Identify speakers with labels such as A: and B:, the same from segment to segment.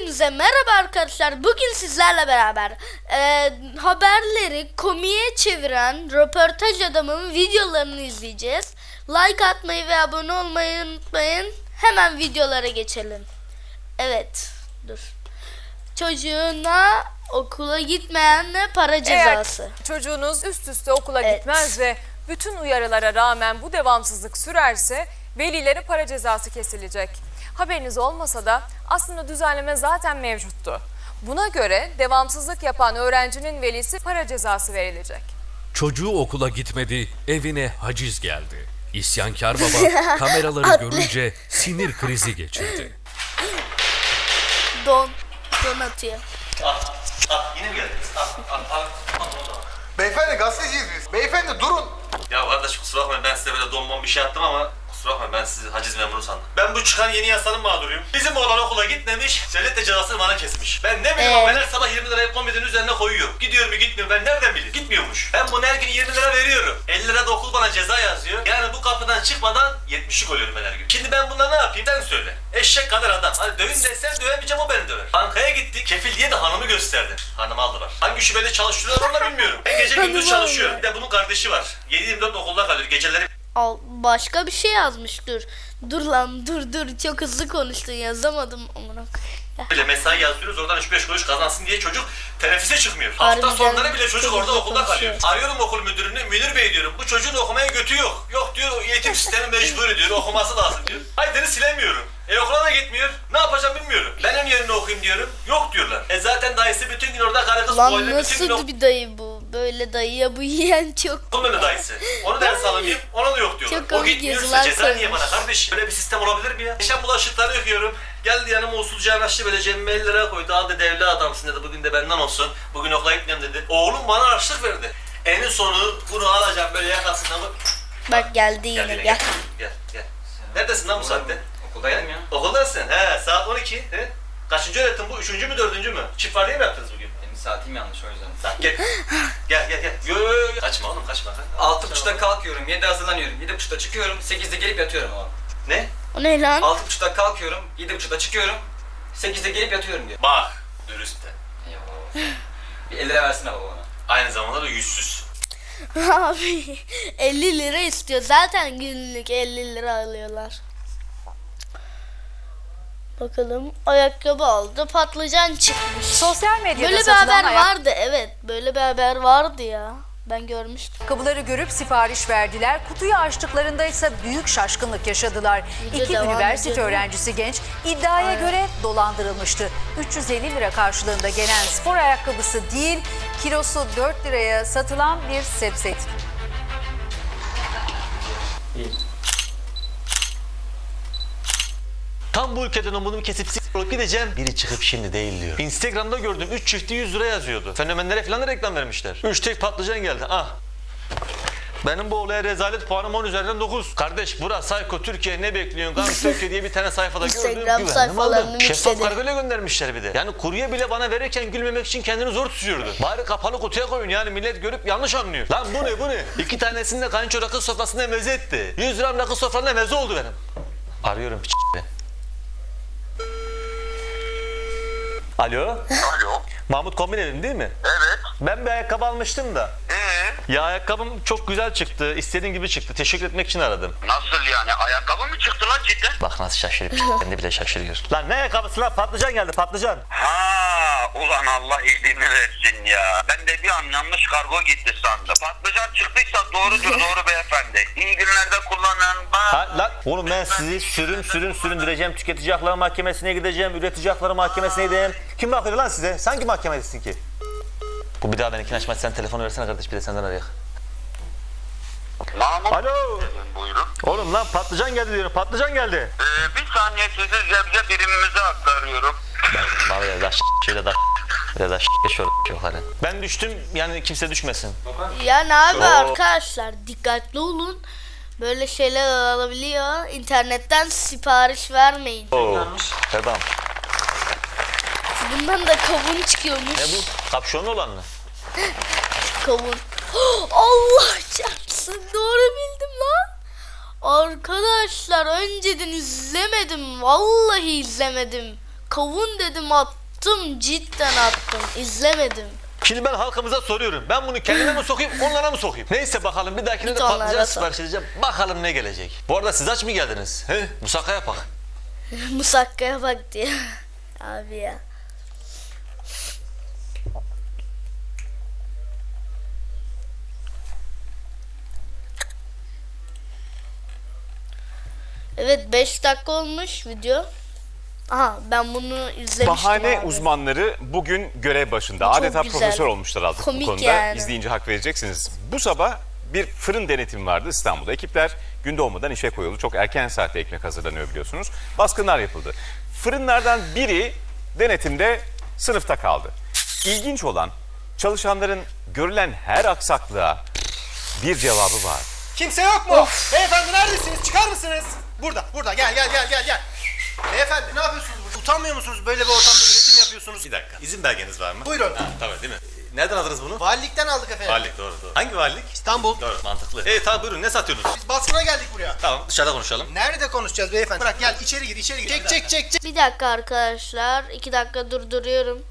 A: Hepinize merhaba arkadaşlar. Bugün sizlerle beraber haberleri komiye çeviren röportaj adamın videolarını izleyeceğiz. Like atmayı ve abone olmayı unutmayın. Hemen videolara geçelim. Evet, dur. Çocuğuna okula gitmeyenle para cezası.
B: Eğer çocuğunuz üst üste okula gitmez ve bütün uyarılara rağmen bu devamsızlık sürerse velilere para cezası kesilecek. Haberiniz olmasa da aslında düzenleme zaten mevcuttu. Buna göre devamsızlık yapan öğrencinin velisi para cezası verilecek.
C: Çocuğu okula gitmedi, evine haciz geldi. İsyankar baba kameraları görünce sinir krizi geçirdi.
A: Don atıyor.
D: Yine mi geldiniz?
E: Beyefendi gazeteciyiz biz. Beyefendi durun.
D: Ya kardeş kusura bakmayın, ben size böyle donmam bir şey yaptım ama kusura bakmayın, ben sizi haciz memuru sandım. Ben bu çıkan yeni yasanın mağduruyum. Bizim oğlan okula gitmemiş, devlet de cezasını bana kesmiş. Ben ne bileyim, ben her sabah 20 lirayı komedinin üzerine koyuyor. Gidiyor mu gitmiyor, ben nereden bileyim? Gitmiyormuş. Ben bunu her gün 20 lira veriyorum. 50 lira da okul bana ceza yazıyor. Yani bu kapıdan çıkmadan 70'lik oluyorum ben her gün. Şimdi ben bununla ne yapayım? Sen söyle. Eşek kadar adam. Hadi dövün desem dövemeyeceğim, o beni döver. Bankaya gittik, kefil diye de hanımı gösterdi. Hanımı aldılar. Hangi şubede çalıştırıyorlar onu da bilmiyorum. Ben gece gündüz çalışıyorum. Bir de bunun kardeşi var. 7-24 okulda kalıyor. Geceleri
A: Başka bir şey yazmış, dur lan dur çok hızlı konuştun, yazamadım amına.
D: bile mesai yazıyoruz, oradan 3-5 kuruş kazansın diye çocuk teneffüse çıkmıyor.
A: Harbiden
D: Hafta sonları bile çocuk
A: çok
D: orada
A: hızlı
D: okulda
A: konuşuyor.
D: kalıyor. Arıyorum okul müdürünü, Münir Bey diyorum, bu çocuğun okumaya götü yok. Yok diyor, eğitim sistemi mecbur diyor, okuması lazım diyor. Aydın'ı silemiyorum. Okula da gitmiyor. Ne yapacağım bilmiyorum. Ben onun yerine okuyayım diyorum. Yok diyorlar. Zaten dayısı bütün gün orada karı kız
A: Lan
D: boylu bütün gün
A: nasıl bir dayı bu? Böyle dayıya bu yiyen çok.
D: okul dayısı. Onu ders alayım, ona da yok diyorlar.
A: Çok
D: O
A: komik
D: gitmiyorsa
A: yazılar
D: ceza niye
A: koymuş.
D: bana kardeş? Böyle bir sistem olabilir mi ya? Geçen bulaşıkları yıkıyorum. Geldi yanıma usulca yanaştı, böyle cebime 50 lira koydu. Al dedi, evli adamsın dedi, bugün de benden olsun. Bugün okula gitmiyorum dedi. Oğlum bana harçlık verdi. En sonu bunu alacağım böyle yakasından bak.
A: Bak geldi yine,
D: Gel. Gel. Neredesin lan bu saatte?
F: Okuldaydım ya.
D: Okuldasın. He, saat 12. He? Kaçıncı öğretim bu? Üçüncü mü, dördüncü mü? Çift var diye mi yaptınız bugün?
F: Benim saatim yanlış o yüzden.
D: Tamam, gel. Gel. Yo. Kaçma oğlum, kaçma.
F: 6.30'da kalkıyorum, 7'de hazırlanıyorum, 7.30'da çıkıyorum, 8'de gelip yatıyorum ama.
D: Ne?
A: O ne lan?
F: 6.30'da kalkıyorum, 7.30'da çıkıyorum, 8'de gelip yatıyorum diyor.
D: Bak, dürüstte.
F: Eyvallah. Bir 50 lira versene baba bana.
D: Aynı zamanda da yüzsüz.
A: Abi 50 lira istiyor. Zaten günlük 50 lira alıyorlar. Bakalım, ayakkabı aldı, patlıcan çıkmış.
B: Sosyal medyada
A: Böyle bir
B: satılan
A: haber vardı, evet. Böyle bir haber vardı ya. Ben görmüştüm.
G: Ayakkabıları görüp sipariş verdiler. Kutuyu açtıklarında ise büyük şaşkınlık yaşadılar.
A: Video
G: İki
A: devam
G: üniversite
A: ediyor.
G: öğrencisi genç iddiaya göre dolandırılmıştı. 350 lira karşılığında gelen spor ayakkabısı değil, kilosu 4 liraya satılan bir sepset.
H: Tam bu ülkeden umudumu kesip olup gideceğim. Biri çıkıp şimdi değil diyor. Instagram'da gördüm 3 çifti 100 lira yazıyordu. Fenomenlere falan da reklam vermişler. 3 tek patlıcan geldi. Ah. Benim bu olaya rezalet puanım 10 üzerinden 9. Kardeş burası Psycho Türkiye, ne bekliyorsun? Gam Türkiye diye bir tane sayfada gördüm.
A: Instagram
H: Güvendim,
A: sayfalarını
H: aldım. Şeffaf
A: mixledi.
H: kargoyla göndermişler bir de. Yani kurye bile bana verirken gülmemek için kendini zor tutuyordu. Bari kapalı kutuya koyun, yani millet görüp yanlış anlıyor. Lan bu ne? 2 tanesini de kayınço rakı sofrasında meze etti. 100 gram rakı sofrasında meze oldu benim. Arıyorum p***le. Alo? Mahmut Kombinevim değil mi?
E: Evet.
H: Ben bir ayakkabı almıştım da. Ya ayakkabım çok güzel çıktı. İstediğim gibi çıktı. Teşekkür etmek için aradım.
E: Nasıl yani? Ayakkabı mı çıktı lan cidden?
H: Bak nasıl şaşırıp kendi bile şaşırıyor. Lan ne ayakkabısı lan? Patlıcan geldi, patlıcan.
E: Ha, ulan Allah iyiliğini versin ya. Ben de bir an yanlış kargo gitti sandım. Patlıcan çıktıysa doğrudur, doğru beyefendi. İyi günlerde kullanın.
H: Ha lan oğlum, ben sizi süründüreceğim. Tüketici Hakları Mahkemesi'ne gideceğim. Üretici Hakları Mahkemesi'ne gideceğim. Kim bakıyor lan size? Sen kim mahkemedesin ki? Bu bir daha benimkini açmaz. Sen telefonu versene kardeş, bir de senden arayak.
E: Mahmut.
H: Alo.
E: Buyurun.
H: Oğlum lan patlıcan geldi diyorum. Patlıcan geldi.
E: Bir saniye sizi zebze birimimize aktarıyorum.
H: Bana böyle daha şöyle daha böyle daha şöyle yukarı. Ben düştüm, yani kimse düşmesin.
A: Yani abi arkadaşlar dikkatli olun. Böyle şeyler alabiliyor. İnternetten sipariş vermeyin.
H: Oo. Tamam.
A: Bundan da kavun çıkıyormuş.
H: Ne bu? Kapşonlu olan mı?
A: Kavun. Allah çarpsın, doğru bildim lan. Arkadaşlar önceden izlemedim. Vallahi izlemedim. kavun dedim attım, cidden attım, izlemedim.
H: Şimdi ben halkımıza soruyorum. Ben bunu kendime mi sokayım, onlara mı sokayım? Neyse bakalım, bir dahakine
A: Git
H: de
A: onlara
H: patlıcan
A: sok.
H: sipariş edeceğim. Bakalım ne gelecek. Bu arada siz aç mı geldiniz? He? Musakka yapak.
A: Musakkaya bak diye. Abi ya. Evet, 5 dakika olmuş video. Aha, ben bunu izlemiştim
I: Bahane
A: abi.
I: uzmanları bugün görev başında.
A: Çok
I: Adeta
A: güzel.
I: profesör olmuşlar artık
A: Komik
I: bu konuda.
A: yani.
I: İzleyince hak vereceksiniz. Bu sabah bir fırın denetimi vardı İstanbul'da. Ekipler gün doğmadan işe koyuldu. Çok erken saatte ekmek hazırlanıyor biliyorsunuz. Baskınlar yapıldı. Fırınlardan biri denetimde sınıfta kaldı. İlginç olan, çalışanların görülen her aksaklığa bir cevabı var.
J: Kimse yok mu? Beyefendi neredesiniz? Çıkar mısınız? Burada. Gel. Beyefendi ne yapıyorsunuz burada? Utanmıyor musunuz? Böyle bir ortamda üretim yapıyorsunuz.
D: Bir dakika. İzin belgeniz var mı?
J: Buyurun.
D: Tabii değil mi? Nereden aldınız bunu?
J: Valilikten aldık efendim.
D: Valilik doğru. Hangi valilik?
J: İstanbul.
D: Doğru mantıklı. Tamam buyurun ne satıyorsunuz?
J: Biz baskına geldik buraya.
D: Tamam dışarıda konuşalım.
J: Nerede konuşacağız beyefendi? Bırak gel içeri gir. Çek.
A: Bir dakika arkadaşlar. 2 dakika durduruyorum.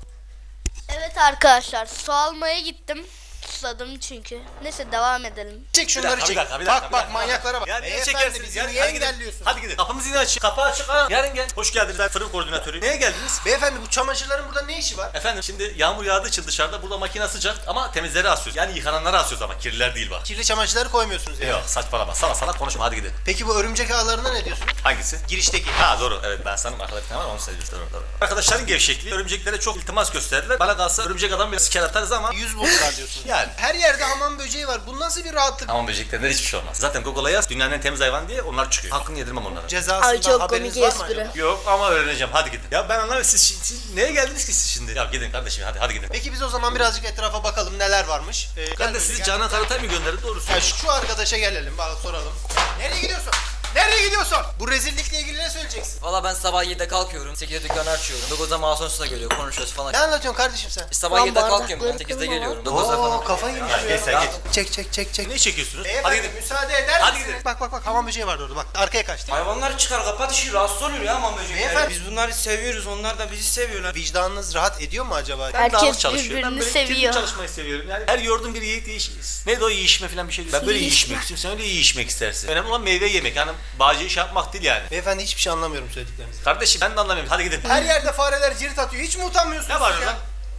A: Evet arkadaşlar, su almaya gittim. Susadım çünkü. Neyse, devam edelim.
J: Çek şunları çek. Bak manyaklara bak.
D: Ya niye
J: Beyefendi
D: çekersiniz?
J: bizi
D: Ya,
J: niye
D: hadi gidin.
J: engelliyorsunuz?
D: Hadi gidin. Kapımız yine açık. Kapı açık ha. Yarın gel. Hoş geldiniz. Ben fırın koordinatörü. Neye geldiniz?
J: Beyefendi bu çamaşırların burada ne işi var?
D: Efendim şimdi yağmur yağdığı için dışarıda burada makine sıcak ama temizleri asıyoruz. Yani yıkananları asıyoruz ama kirliler değil bak.
J: Kirli çamaşırları koymuyorsunuz yani.
D: Yok saçmalama. Sana konuşma hadi gidin.
J: Peki bu örümcek ağlarına ne diyorsunuz?
D: Hangisi?
J: Girişteki.
D: Ha doğru evet ben sanırım arkada bir tane var onu söylüyorsun doğru. Arkadaşların gevşekliği örümceklere çok iltimas gösterdiler. Bana kalsa örümcek adam biraz siker atarız ama
J: 100 buldular diyorsunuz.
D: yani.
J: Her yerde hamam böceği var. Bu nasıl bir rahatlık?
D: Hamam böceklerinden hiçbir şey olmaz. Zaten Google'a yaz dünyanın en temiz hayvanı diye onlar çıkıyor. Hakkını yedirmem onlara.
J: Cezasından
A: Ay, çok
J: haberiniz
A: komik
J: var mı
A: espri.
J: acaba?
D: Yok ama öğreneceğim hadi gidin. Ya ben anlamıyorum siz neye geldiniz ki siz şimdi? Ya gidin kardeşim hadi gidin.
J: Peki biz o zaman birazcık etrafa bakalım neler varmış.
D: Ben de sizi Canan Karatay mı gönderdim doğrusu?
J: Ya şu arkadaşa gelelim bak soralım. Nereye gidiyorsun? Nereye gidiyorsun? Bu rezillikle ilgili ne söyleyeceksin?
F: Valla ben sabah 7'de kalkıyorum. 8'de dükkanı açıyorum. 9'da mağazanın üstüne geliyor. Konuşuyoruz falan.
J: Ne anlatıyorsun kardeşim sen?
F: Sabah
A: Lan
F: 7'de kalkıyorum
A: bardakları
F: ben. 8'de
A: kırma
F: geliyorum. 9'da
J: Oo
F: falan.
J: kafayı yemiş
D: Geç sen geç.
J: Çek.
D: Ne çekiyorsunuz?
J: Beyefendi
D: Hadi gidin.
J: müsaade eder
D: Hadi
J: misiniz?
D: gidin.
J: Bak hamam böceği vardı orada bak arkaya kaçtı.
K: Hayvanlar çıkar kapat işi rahatsız oluyor ya hamam böcekleri.
J: Beyefendi-
K: Biz bunları seviyoruz onlar da bizi seviyorlar.
J: Vicdanınız rahat ediyor mu acaba?
A: Herkes
D: Dağınık çalışıyor. Ben
A: birbirini
D: böyle
A: seviyor.
D: kirli çalışmayı seviyorum. Yani her yoğurdun bir yiğit değişiriz. Neydi o yiyişme falan bir şey değil. Ben böyle yiyişmek istiyorum. Sen öyle yiyişmek istersin. Önemli olan meyve yemek. Yani bağcı iş yapmak değil yani.
J: Beyefendi hiçbir şey anlamıyorum söylediklerinizden.
D: Kardeşim ben de anlamıyorum. Hadi gidin.
J: Her yerde fareler cirit atıyor. Hiç mi utanmıyorsunuz
D: Ne var
J: siz
D: lan?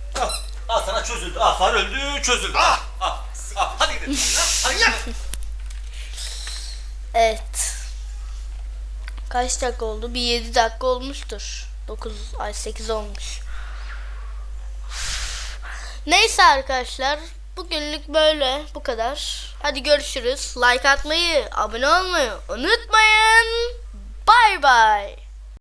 D: Al sana çözüldü. Far öldü çözüldü. Hadi gidin. Hadi gidin.
A: Evet. Kaç dakika oldu? Bir 7 dakika olmuştur. 8 olmuş. Neyse arkadaşlar. Bugünlük böyle. Bu kadar. Hadi görüşürüz. Like atmayı, abone olmayı unutmayın. Bye bye.